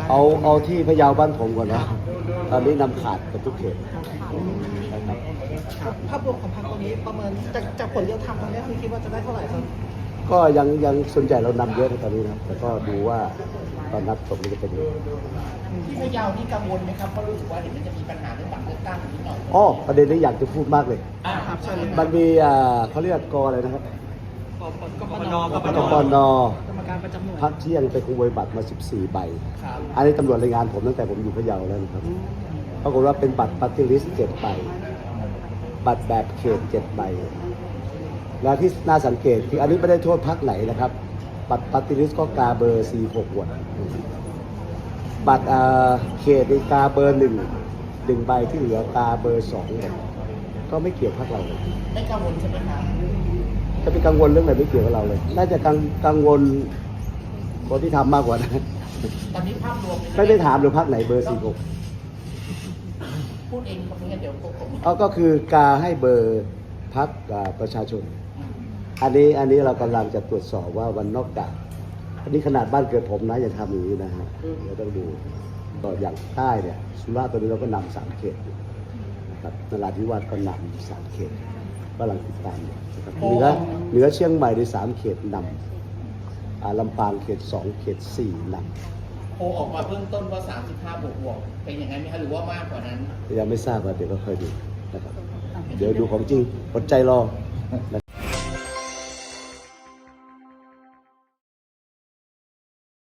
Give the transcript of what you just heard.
เอาที่พะเยาบ้านผมก่อนนะตอนนี้นำขาดกับทุกเขตนะครับภาพรวมของพรรคตรงนี้ประเมินจากผลเรียลไทม์ตอนนี้คือคิดว่าจะได้เท่าไหร่ครับก็ยังส่วนใหญ่เรานำเยอะในตอนนี้นะแต่ก็ดูว่าตอนนับตกนี้จะเป็นยังไงที่พะเยานี่กังวลไหมครับเพราะรู้สึกว่าเดี๋ยวมันจะมีปัญหาเรื่องบัตรเลือกตั้งนิดหน่อยอ๋อประเด็นนี้อยากจะพูดมากเลยครับใช่เลยมันมีเขาเรียกกอะไรนะครับกปนกปนกรรมการประจำหน่วยพักเที่ยงไปขโมยบัตรมา14 ใบครับอันนี้ตำรวจรายงานผมตั้งแต่ผมอยู่พะเยาแล้วนะครับปรากฏว่าเป็นบัตรปฏิริษี7 ใบ บัตรแบบเขต7 ใบ แล้วที่น่าสังเกตคืออันนี้ไม่ได้โทษพรรคไหนนะครับ บัตรปฏิริษีก็กาเบอร์46 วดบัตรเขตในกาเบอร์1ใบที่เหลือกาเบอร์2หมดก็ไม่เกี่ยวพรรคเราเลยไม่กังวลใช่ไหมครับจะไปกังวลเรื่องอะไรไม่เกี่ยวกับเราเลย น่าจะกังวลคนที่ทำมากกว่านะตอนนี้ภาพรวมไม่ได้ถามหรือพรรคไหนเบอร์46 พูดเองครับไม่งั้นเดี๋ยวผมก็คือกาให้เบอร์พรรคประชาชน อันนี้เรากำลังจะตรวจสอบว่าวันนอกจากอันนี้ขนาดบ้านเกิดผมนะยังทำอย่างนี้นะฮะเราต้องดูต่ออย่างใต้เนี่ยสุราษฎร์ตอนนี้เราก็นำ3 เขตอยู่นะครับนราธิวาสก็นำ3 เขตกำลังติดตามอยู่นะครับเหนือเชียงใหม่ใน3 เขตนำลำปางเขต2 เขต4นำโพลออกมาเบื้องต้นว่า35บวกเป็นอย่างนั้นไหมครับหรือว่ามากกว่านั้นยังไม่ทราบว่าเดี๋ยวก็ค่อยดูนะครับเดี๋ยวดูของจริงอดใจรอ